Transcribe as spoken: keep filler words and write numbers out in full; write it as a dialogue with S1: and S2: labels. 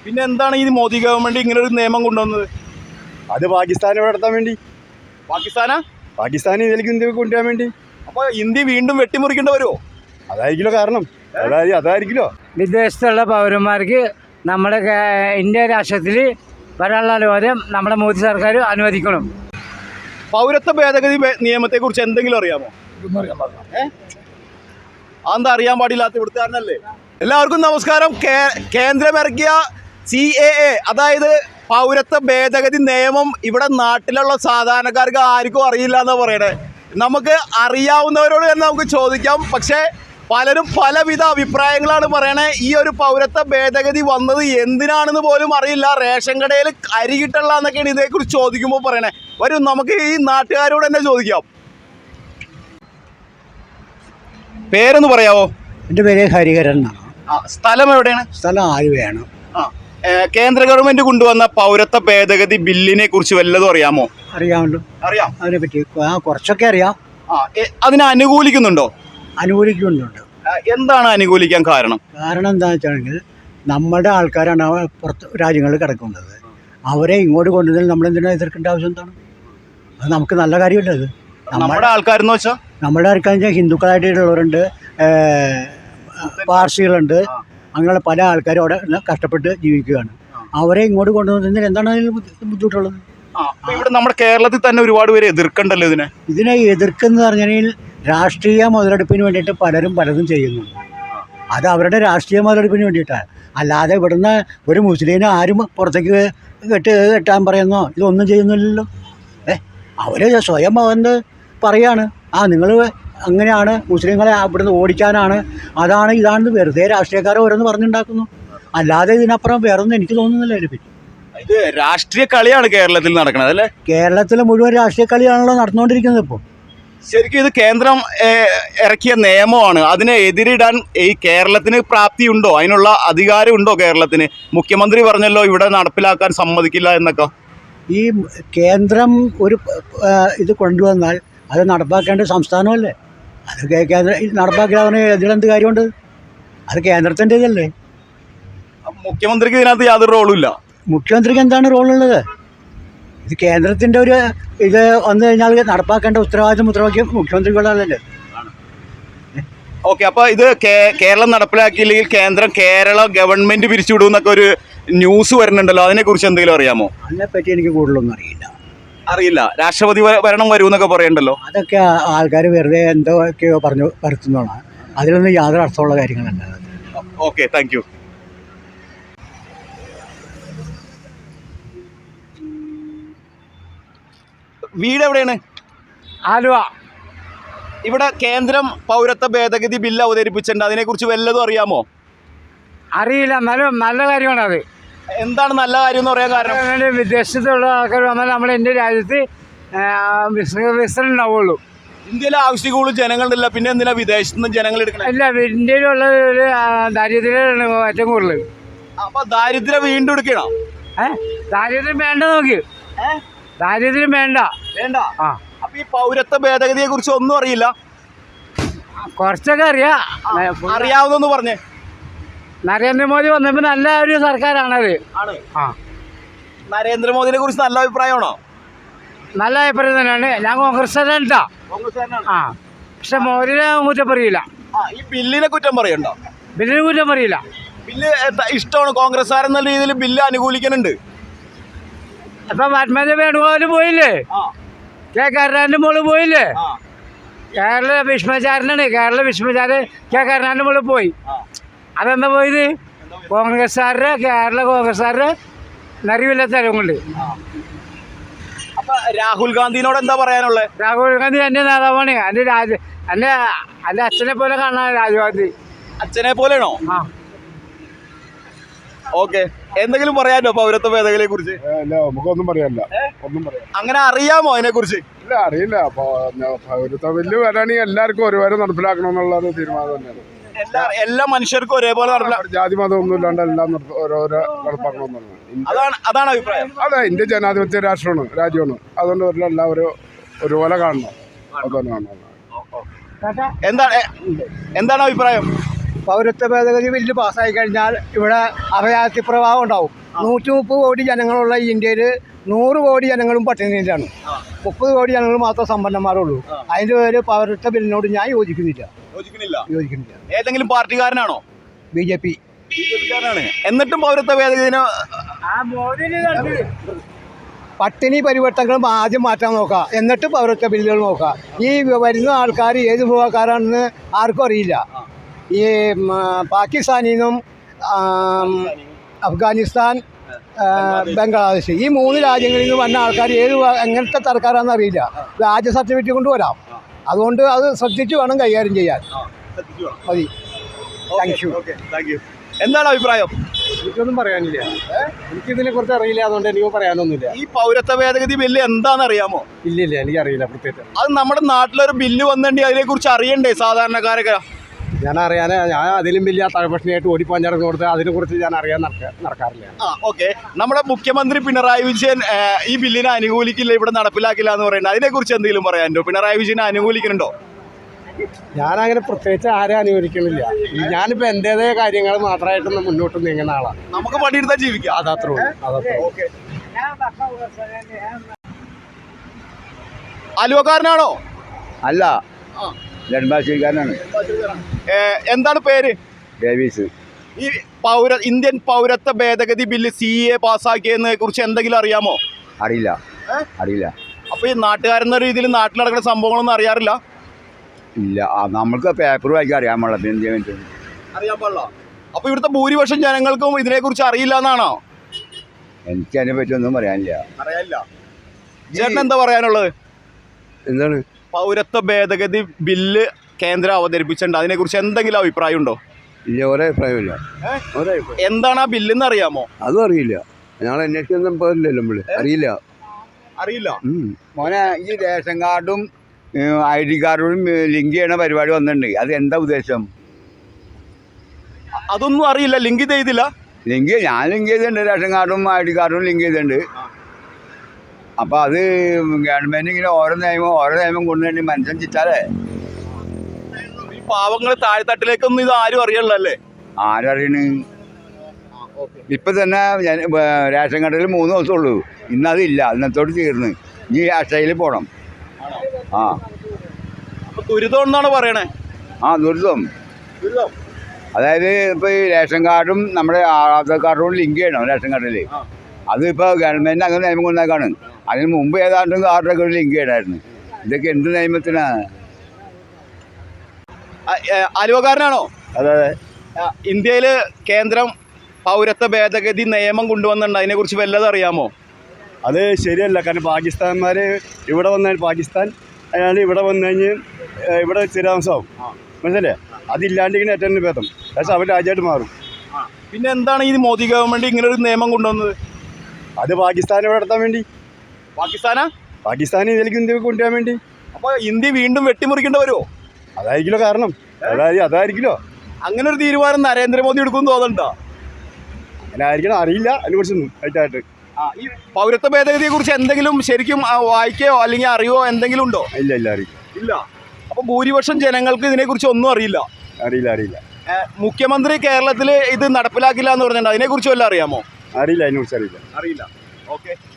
S1: പിന്നെ എന്താണ് ഈ മോദി ഗവൺമെന്റ് ഇങ്ങനെ ഒരു നിയമം കൊണ്ടുവന്നത്?
S2: അത് പാകിസ്ഥാനെ നടത്താൻ വേണ്ടി.
S1: പാകിസ്ഥാനാ?
S2: പാകിസ്ഥാൻ ഇതിലേക്ക് ഇന്ത്യ കൊണ്ടുവരാൻ വേണ്ടി.
S1: അപ്പോൾ ഇന്ത്യ വീണ്ടും വെട്ടിമുറിക്കേണ്ടി വരുമോ?
S2: അതായിരിക്കുമല്ലോ കാരണം. അതായത് അതായിരിക്കുമല്ലോ
S3: വിദേശത്തുള്ള പൗരന്മാർക്ക് നമ്മുടെ ഇന്ത്യ രാഷ്ട്രത്തിൽ വരാനുള്ള അനുവാദം നമ്മുടെ മോദി സർക്കാർ അനുവദിക്കണം.
S1: പൗരത്വ ഭേദഗതി നിയമത്തെക്കുറിച്ച് എന്തെങ്കിലും അറിയാമോ? അതെന്താ അറിയാൻ പാടില്ലാത്ത ഇവിടുത്തുകാരനല്ലേ? എല്ലാവർക്കും നമസ്കാരം. കേന്ദ്രമിറക്കിയ സി എ എ അതായത് പൗരത്വ ഭേദഗതി നിയമം ഇവിടെ നാട്ടിലുള്ള സാധാരണക്കാർക്ക് ആർക്കും അറിയില്ല എന്നാ പറയണേ. നമുക്ക് അറിയാവുന്നവരോട് തന്നെ നമുക്ക് ചോദിക്കാം. പക്ഷേ പലരും പലവിധ അഭിപ്രായങ്ങളാണ് പറയണേ. ഈ ഒരു പൗരത്വ ഭേദഗതി വന്നത് എന്തിനാണെന്ന് പോലും അറിയില്ല. റേഷൻ കടയിൽ അരി കിട്ടല്ല എന്നൊക്കെയാണ് ഇതേക്കുറിച്ച് ചോദിക്കുമ്പോൾ പറയണേ. വരും നമുക്ക് ഈ നാട്ടുകാരോട് തന്നെ ചോദിക്കാം. പേരൊന്ന് പറയാവോ?
S4: എൻ്റെ പേര് ഹരിഹരൻ എന്നാണ്.
S1: സ്ഥലം എവിടെയാണ്?
S4: സ്ഥലം ആലുവയാണ്.
S1: ആ കേന്ദ്ര ഗവൺമെന്റ് കൊണ്ടുവന്ന പൗരത്വ ഭേദഗതി ബില്ലിനെ കുറിച്ച് വല്ലതും അറിയാമോ?
S4: അറിയാമല്ലോ.
S1: അറിയാം.
S4: അതിനെ പറ്റി ആ കുറച്ചൊക്കെ അറിയാം.
S1: ആ അതിനെ അനുകൂലിക്കുന്നുണ്ടോ?
S4: അനുകൂലിക്കുന്നുണ്ട്.
S1: എന്താണ് അനുകൂലിക്കാൻ കാരണം?
S4: കാരണം എന്താണെന്ന് വെച്ചാണെങ്കിൽ നമ്മുടെ ആൾക്കാരാണ് പുറത്ത് രാജ്യങ്ങളിൽ കിടക്കുന്നത്. അവരെ ഇങ്ങോട്ട് കൊണ്ടുവന്നാൽ നമ്മളെന്തിനാ എതിർക്കേണ്ട ആവശ്യം എന്താണ്? അത് നമുക്ക് നല്ല കാര്യമല്ല. അത്
S1: നമ്മുടെ ആൾക്കാരെന്ന് വെച്ചാൽ
S4: നമ്മുടെ ആൾക്കാരെന്ന് വെച്ചാൽ ഹിന്ദുക്കളായിട്ടുള്ളവരുണ്ട്, പാർസികളുണ്ട്, അങ്ങനെ പല ആൾക്കാരും അവിടെ കഷ്ടപ്പെട്ട് ജീവിക്കുകയാണ്. അവരെ ഇങ്ങോട്ട് കൊണ്ടുവന്നതിൽ എന്താണ് അതിൽ ബുദ്ധിമുട്ടുള്ളത്?
S1: ഇവിടെ നമ്മുടെ കേരളത്തിൽ തന്നെ ഒരുപാട് പേര് എതിർക്കണ്ടല്ലോ ഇതിനെ.
S4: ഇതിനെ എതിർക്കുന്ന പറഞ്ഞാൽ രാഷ്ട്രീയ മുതലെടുപ്പിന് വേണ്ടിയിട്ട് പലരും പലതും ചെയ്യുന്നുണ്ട്. അത് അവരുടെ രാഷ്ട്രീയ മുതലെടുപ്പിന് വേണ്ടിയിട്ടാണ്. അല്ലാതെ ഇവിടുന്ന് ഒരു മുസ്ലിമിനെ ആരും പുറത്തേക്ക് കെട്ട് കെട്ടാൻ പറയുന്നോ ഇതൊന്നും ചെയ്യുന്നില്ലല്ലോ. ഏ അവർ സ്വയം വന്ന് പറയാണ്, ആ നിങ്ങൾ അങ്ങനെയാണ്, മുസ്ലിങ്ങളെ ഇവിടുന്ന് ഓടിക്കാനാണ്, അതാണ് ഇതാണ്, വെറുതെ രാഷ്ട്രീയക്കാരെ ഓരോന്ന് പറഞ്ഞുണ്ടാക്കുന്നു. അല്ലാതെ ഇതിനപ്പുറം വേറൊന്നും എനിക്ക് തോന്നുന്നില്ല അതിനെപ്പറ്റി.
S1: ഇത് രാഷ്ട്രീയ കളിയാണ് കേരളത്തിൽ നടക്കുന്നത് അല്ലേ?
S4: കേരളത്തിൽ മുഴുവൻ രാഷ്ട്രീയ കളിയാണല്ലോ നടന്നുകൊണ്ടിരിക്കുന്നത് ഇപ്പോൾ.
S1: ശരിക്കും ഇത് കേന്ദ്രം ഇറക്കിയ നിയമമാണ്. അതിനെ എതിരിടാൻ ഈ കേരളത്തിന് പ്രാപ്തിയുണ്ടോ? അതിനുള്ള അധികാരമുണ്ടോ കേരളത്തിന്? മുഖ്യമന്ത്രി പറഞ്ഞല്ലോ ഇവിടെ നടപ്പിലാക്കാൻ സമ്മതിക്കില്ല എന്നൊക്കെ.
S4: ഈ കേന്ദ്രം ഒരു ഇത് കൊണ്ടുവന്നാൽ അത് നടപ്പാക്കേണ്ട സംസ്ഥാനമല്ലേ? അത് കേന്ദ്ര നടപ്പാക്കിയാൽ ഇതിലെന്ത് കാര്യമുണ്ട്? അത് കേന്ദ്രത്തിൻ്റെ ഇതല്ലേ.
S1: മുഖ്യമന്ത്രിക്ക് ഇതിനകത്ത് യാതൊരു റോളും ഇല്ല.
S4: മുഖ്യമന്ത്രിക്ക് എന്താണ് റോളുള്ളത്? ഇത് കേന്ദ്രത്തിൻ്റെ ഒരു ഇത് വന്നു കഴിഞ്ഞാൽ നടപ്പാക്കേണ്ട ഉത്തരവാദിത്വം ഉത്തരവാദിത്വം മുഖ്യമന്ത്രികളുടെ.
S1: ഓക്കെ, അപ്പോൾ ഇത് കേരളം നടപ്പിലാക്കിയില്ലെങ്കിൽ കേന്ദ്രം കേരള ഗവൺമെന്റ് പിരിച്ചുവിടും എന്നൊക്കെ ഒരു ന്യൂസ് വരുന്നുണ്ടല്ലോ, അതിനെക്കുറിച്ച് എന്തെങ്കിലും അറിയാമോ?
S4: അതിനെപ്പറ്റി എനിക്ക് കൂടുതലൊന്നും അറിയില്ല.
S1: അറിയില്ല. രാഷ്ട്രപതി ഭരണം വരും എന്നൊക്കെ പറയണ്ടല്ലോ.
S4: അതൊക്കെ ആൾക്കാർ വെറുതെ എന്തൊക്കെയോ പറഞ്ഞു വരുത്തുന്നതാണ്. അതിലൊന്നും യാതൊരു അർത്ഥമുള്ള കാര്യങ്ങളല്ല.
S1: Okay, thank you. വീട് എവിടെയാണ്?
S3: ആലുവ.
S1: ഇവിടെ കേന്ദ്രം പൗരത്വ ഭേദഗതി ബില്ല് അവതരിപ്പിച്ചിട്ടുണ്ട്. അതിനെക്കുറിച്ച് വല്ലതും അറിയാമോ?
S3: അറിയില്ല, എന്നാലും നല്ല കാര്യമാണ് അത്.
S1: എന്താണ് നല്ല കാര്യം എന്ന് പറയാൻ കാരണം?
S3: വിദേശത്തുള്ള ആൾക്കാർ വന്നാൽ നമ്മുടെ ഇന്ത്യ രാജ്യത്ത് വികസനം ഉണ്ടാവുള്ളൂ.
S1: ഇന്ത്യയിലെ ആവശ്യം കൂടുതൽ ജനങ്ങളില്ല, പിന്നെ എന്തിനാ വിദേശത്ത് നിന്ന് ജനങ്ങൾ എടുക്കണം?
S3: ഇല്ല, ഇന്ത്യയിലുള്ള ഒരു ദാരിദ്ര്യമാണ് ഏറ്റവും കൂടുതൽ.
S1: അപ്പൊ ദാരിദ്ര്യം വീണ്ടും എടുക്കണം?
S3: ഏഹ് ദാരിദ്ര്യം വേണ്ട, നോക്കി ദാരിദ്ര്യം വേണ്ട
S1: വേണ്ട.
S3: ആ
S1: അപ്പൊ ഈ പൗരത്വ ഭേദഗതിയെ കുറിച്ച് ഒന്നും അറിയില്ല?
S3: കുറച്ചൊക്കെ അറിയാം.
S1: അറിയാവുന്നൊന്ന് പറഞ്ഞേ.
S3: നരേന്ദ്രമോദി വന്നപ്പോൾ നല്ല ഒരു സർക്കാരാണത്.
S1: ആണ്.
S3: ആ
S1: നരേന്ദ്രമോദിനെ കുറിച്ച് നല്ല അഭിപ്രായമാണോ?
S3: നല്ല അഭിപ്രായം തന്നെയാണ്. ഞാൻ കോൺഗ്രസ്സുകാരനാ. ആ പക്ഷെ മോദിനെ കുറ്റം പറയില്ല.
S1: ഈ ബില്ലിനെ കുറ്റം പറയണ്ടോ?
S3: ബില്ലിനെ കുറ്റം പറയില്ല.
S1: ബില്ല് ഇഷ്ടമാണ്. കോൺഗ്രസ്സുകാരെന്ന രീതിയിൽ ബില്ല് അനുകൂലിക്കുന്നുണ്ട്.
S3: അപ്പൊ പത്മജ വേണുഗോപാൽ പോയില്ലേ, കെ കരുണാകരൻ്റെ മോള് പോയില്ലേ, കേരള ഭീഷ്മാചാരനാണ്. കേരള ഭീഷ്മാചാരൻ കെ കരുണാകരൻ്റെ മോള് പോയി. അതെന്താ പോയത്? കോൺഗ്രസ്സുകാരുടെ കേരള കോൺഗ്രസ്സുകാരുടെ നിറവില്ലാത്ത തരം കൊണ്ട്.
S1: അപ്പൊ രാഹുൽ ഗാന്ധിനോട് എന്താ പറയാനുള്ളത്?
S3: രാഹുൽ ഗാന്ധി എൻ്റെ നേതാവാണ്. എൻ്റെ രാജ എൻ്റെ എൻ്റെ അച്ഛനെ പോലെ കാണാൻ രാജീവ് ഗാന്ധി.
S1: അച്ഛനെ പോലെയാണോ?
S3: ആ
S1: ഓക്കെ, എന്തെങ്കിലും പറയാനോ പൗരത്വ ഭേദഗതിയെ കുറിച്ച്?
S2: നമുക്കൊന്നും പറയാനില്ല. ഒന്നും പറയാം.
S1: അങ്ങനെ അറിയാമോ അതിനെ കുറിച്ച്?
S2: ഇല്ല, അറിയില്ല. പൗരത്വ ബില്ല് വരാണെങ്കിൽ എല്ലാവർക്കും ഒരുപോലെ നടപ്പിലാക്കണം എന്നുള്ള തീരുമാനം തന്നെയാണ്.
S1: എല്ലാ എല്ലാ മനുഷ്യർക്കും ഒരേപോലെ നടപ്പിലാക്കണം.
S2: ജാതി മതം ഒന്നും ഇല്ലാണ്ട് എല്ലാം ഓരോരോ നടപ്പാക്കണമെന്നാണ്.
S1: അതാണ് അതാണ് അഭിപ്രായം.
S2: അതെ, ഇന്ത്യ ജനാധിപത്യ രാഷ്ട്രമാണ്, രാജ്യമാണ്. അതുകൊണ്ട് എല്ലാവരും ഒരുപോലെ കാണണം. അതാണ് കാണണം.
S1: എന്താണ് എന്താണ് അഭിപ്രായം?
S5: പൗരത്വ ഭേദഗതി ബില്ല് പാസ്സായി കഴിഞ്ഞാൽ ഇവിടെ അഭയാർത്ഥി പ്രവാഹം ഉണ്ടാവും. നൂറ്റി മുപ്പത് കോടി ജനങ്ങളുള്ള ഈ ഇന്ത്യയിൽ നൂറ് കോടി ജനങ്ങളും പട്ടിണിയിലാണ്. മുപ്പത് കോടി ജനങ്ങൾ മാത്രം സമ്പന്നന്മാരുള്ളൂ. അതിൻ്റെ പേര് പൗരത്വ ബില്ലിനോട് ഞാൻ യോജിക്കുന്നില്ല യോജിക്കുന്നില്ല
S1: ഏതെങ്കിലും പാർട്ടിക്കാരനാണോ?
S5: ബി ജെ പി
S1: എന്നിട്ടും പൗരത്വ ഭേദഗതിന്
S5: പട്ടിണി പരിവർത്തനങ്ങളും ആദ്യം മാറ്റാൻ നോക്കുക, എന്നിട്ട് പൗരത്വ ബില്ലുകൾ നോക്കുക. ഈ വരുന്ന ആൾക്കാർ ഏത് വിഭാഗക്കാരാണെന്ന് ആർക്കും അറിയില്ല. ഈ പാകിസ്ഥാനിൽ നിന്നും അഫ്ഗാനിസ്ഥാൻ, ബംഗ്ലാദേശ്, ഈ മൂന്ന് രാജ്യങ്ങളിൽ നിന്ന് വന്ന ആൾക്കാർ ഏത് എങ്ങനത്തെ തരക്കാരാണെന്ന് അറിയില്ല. രാജ്യ സർട്ടിഫിക്കറ്റ് കൊണ്ടുവരാം. അതുകൊണ്ട് അത് ശ്രദ്ധിച്ച് വേണം കൈകാര്യം ചെയ്യാൻ. മതി. Thank you.
S1: Thank you. എന്താണ് അഭിപ്രായം?
S5: എനിക്കൊന്നും പറയാനില്ല. എനിക്കിതിനെ കുറിച്ച് അറിയില്ല, അതുകൊണ്ട് എനിക്ക് പറയാനൊന്നുമില്ല.
S1: ഈ പൗരത്വ ഭേദഗതി ബില്ല് എന്താണെന്ന് അറിയാമോ?
S5: ഇല്ലില്ല, എനിക്കറിയില്ല പ്രത്യേകിച്ച്.
S1: അത് നമ്മുടെ നാട്ടിലൊരു ബില്ല് വന്നിട്ടുണ്ടെങ്കിൽ അതിനെ കുറിച്ച് അറിയണ്ടേ സാധാരണക്കാരൊക്കെ?
S5: ഞാൻ അറിയാൻ ഞാൻ അതിലും വലിയ തഴപ്പക്ഷണിയായിട്ട് ഓടിപ്പാഞ്ഞിറങ്ങി കൊടുത്ത് അതിനെക്കുറിച്ച് ഞാൻ അറിയാൻ നടക്കാറില്ല.
S1: ആ ഓക്കെ. നമ്മുടെ മുഖ്യമന്ത്രി പിണറായി വിജയൻ ഈ ബില്ലിനെ അനുകൂലിക്കില്ല, ഇവിടെ നടപ്പിലാക്കില്ല എന്ന് പറയുന്നത്, അതിനെക്കുറിച്ച് എന്തെങ്കിലും പറയാനുണ്ടോ? പിണറായി വിജയനെ അനുകൂലിക്കുന്നുണ്ടോ?
S5: ഞാനങ്ങനെ പ്രത്യേകിച്ച് ആരെ അനുകൂലിക്കണില്ല. ഞാനിപ്പോൾ എൻ്റേതായ കാര്യങ്ങൾ മാത്രമായിട്ട് മുന്നോട്ട് നീങ്ങുന്ന ആളാണ്.
S1: നമുക്ക് പണിയെടുത്താൽ ജീവിക്കാം.
S5: അതത്രേ ഉള്ളൂ. അതത്രേ ഉള്ളൂ.
S1: ആലുവക്കാരനാണോ?
S6: അല്ല, നെടുമ്പാശ്ശേരിക്കാരനാണ്.
S1: എന്താണ് പേര്?
S6: ഡേവീസ്.
S1: ഈ പൗര ഇന്ത്യൻ പൗരത്വ ഭേദഗതി ബില്ല് സി എ പാസ്സാക്കിയതിനെ കുറിച്ച് എന്തെങ്കിലും അറിയാമോ?
S6: അറിയില്ല അറിയില്ല
S1: അപ്പൊ ഈ നാട്ടുകാരെന്ന രീതിയിൽ നാട്ടിൽ നടക്കുന്ന സംഭവങ്ങളൊന്നും അറിയാറില്ല?
S6: ഇല്ല, നമ്മൾക്ക് പേപ്പർ വായിക്കാൻ അറിയാൻ പാടില്ല. പിന്നെ എന്ത് ചെയ്യാൻ
S1: അറിയാൻ പാടില്ല. അപ്പൊ ഇവിടുത്തെ ഭൂരിപക്ഷം ജനങ്ങൾക്കും ഇതിനെ കുറിച്ച് അറിയില്ല എന്നാണോ?
S6: എനിക്ക് അതിനെ പറ്റി ഒന്നും പറയാനില്ല.
S1: അറിയാനില്ല. ചേട്ടൻ എന്താ പറയാനുള്ളത്?
S6: എന്താണ്
S1: പൗരത്വ ഭേദഗതി ബില്ല് കേന്ദ്രം അവതരിപ്പിച്ചിട്ടുണ്ട്, അതിനെ കുറിച്ച് എന്തെങ്കിലും അഭിപ്രായം ഉണ്ടോ?
S6: ഇല്ല, ഒരേ അഭിപ്രായമില്ല.
S1: എന്താണ് ആ ബില്ലെന്ന് അറിയാമോ?
S6: അതും അറിയില്ല. ഞങ്ങൾ അന്വേഷിക്കൊന്നും പോലില്ലല്ലോ. നമ്മള് അറിയില്ല
S1: അറിയില്ല
S6: മോനെ, ഈ റേഷൻ കാർഡും ഐ ഡി കാർഡും ലിങ്ക് ചെയ്യണ പരിപാടി വന്നിട്ടുണ്ട്. അത് എന്താ ഉദ്ദേശം?
S1: അതൊന്നും അറിയില്ല. ലിങ്ക് ചെയ്തില്ല?
S6: ലിങ്ക് ഞാൻ ലിങ്ക് ചെയ്തിട്ടുണ്ട്. റേഷൻ കാർഡും ഐ ഡി കാർഡും ലിങ്ക് ചെയ്തിട്ടുണ്ട്. അപ്പോൾ അത് ഗവൺമെൻറ് ഇങ്ങനെ ഓരോ നിയമം ഓരോ നിയമം കൊണ്ടുവരേണ്ടി മനുഷ്യൻ ചിറ്റാലേ.
S1: ഈ പാവങ്ങൾ താഴെത്തട്ടിലേക്കൊന്നും ഇത് ആരും അറിയണല്ലേ?
S6: ആരറിയണ്? ഇപ്പം തന്നെ ഞാൻ റേഷൻ കടയിൽ മൂന്ന് ദിവസമേ ഉള്ളൂ. ഇന്നതില്ല, ഇന്നത്തോട് തീർന്ന്. ഇനി അക്ഷയയിൽ പോകണം. ആ
S1: ദുരിതം എന്നാണ് പറയണേ.
S6: ആ ദുരിതം. അതായത് ഇപ്പോൾ ഈ റേഷൻ കാർഡും നമ്മുടെ ആധാർ കാർഡും ലിങ്ക് ചെയ്യണം റേഷൻ കാർഡിൽ. അതിപ്പോൾ ഗവൺമെൻറ് അങ്ങനെ നിയമം കൊണ്ടാക്കാണ്. അതിന് മുമ്പ് ഏതാണ്ടും കാർഡൊക്കെ ലിങ്ക് ചെയ്യണമായിരുന്നു. ഇതൊക്കെ എന്ത് നിയമത്തിനാണ്?
S1: ആലുവക്കാരനാണോ?
S6: അതെ അതെ.
S1: ഇന്ത്യയിൽ കേന്ദ്രം പൗരത്വ ഭേദഗതി നിയമം കൊണ്ടുവന്നിട്ടുണ്ട്, അതിനെക്കുറിച്ച് വല്ലതും അറിയാമോ?
S7: അത് ശരിയല്ല. കാരണം പാകിസ്ഥാൻമാർ ഇവിടെ വന്നാൽ പാകിസ്ഥാൻ അയാൾ ഇവിടെ വന്നു കഴിഞ്ഞ് ഇവിടെ സ്ഥിരാംശമാവും. മനസ്സിലേ? അതില്ലാണ്ടിങ്ങനെ ഏറ്റവും ഭേദം. പക്ഷേ അവർ രാജ്യമായിട്ട് മാറും.
S1: പിന്നെ എന്താണ് ഈ മോദി ഗവൺമെൻറ് ഇങ്ങനെ ഒരു നിയമം കൊണ്ടുവന്നത്?
S7: അത് പാകിസ്ഥാനെ ഇവിടെ നടത്താൻ വേണ്ടി.
S1: പാകിസ്ഥാനാ?
S7: പാകിസ്ഥാൻ ഇതിലേക്ക് ഇന്ത്യക്ക് കൊണ്ടുവരാൻ വേണ്ടി.
S1: അപ്പോൾ ഇന്ത്യ വീണ്ടും വെട്ടിമുറിക്കേണ്ടി വരുമോ?
S7: അതായിരിക്കുമല്ലോ കാരണം. അതായത് അതായിരിക്കുമല്ലോ
S1: അങ്ങനെ ഒരു തീരുമാനം നരേന്ദ്രമോദി എടുക്കുമെന്ന് തോന്നണ്ടോ?
S7: അങ്ങനെ ആയിരിക്കണം. അറിയില്ല അതിനെക്കുറിച്ചൊന്നും ആയിട്ടായിട്ട്.
S1: ഈ പൗരത്വ ഭേദഗതിയെ കുറിച്ച് എന്തെങ്കിലും ശരിക്കും വായിക്കുകയോ അല്ലെങ്കിൽ അറിയോ എന്തെങ്കിലും ഉണ്ടോ?
S7: ഇല്ല ഇല്ല അറിയില്ല.
S1: ഇല്ല. അപ്പോൾ ഭൂരിപക്ഷം ജനങ്ങൾക്ക് ഇതിനെക്കുറിച്ച് ഒന്നും അറിയില്ല.
S7: അറിയില്ല അറിയില്ല
S1: മുഖ്യമന്ത്രി കേരളത്തിൽ ഇത് നടപ്പിലാക്കില്ല എന്ന് പറഞ്ഞിട്ടുണ്ട്, അതിനെക്കുറിച്ച് വല്ലതും അറിയാമോ?
S7: അറിയില്ല അതിനെക്കുറിച്ച് അറിയില്ല
S1: അറിയില്ല ഓക്കെ.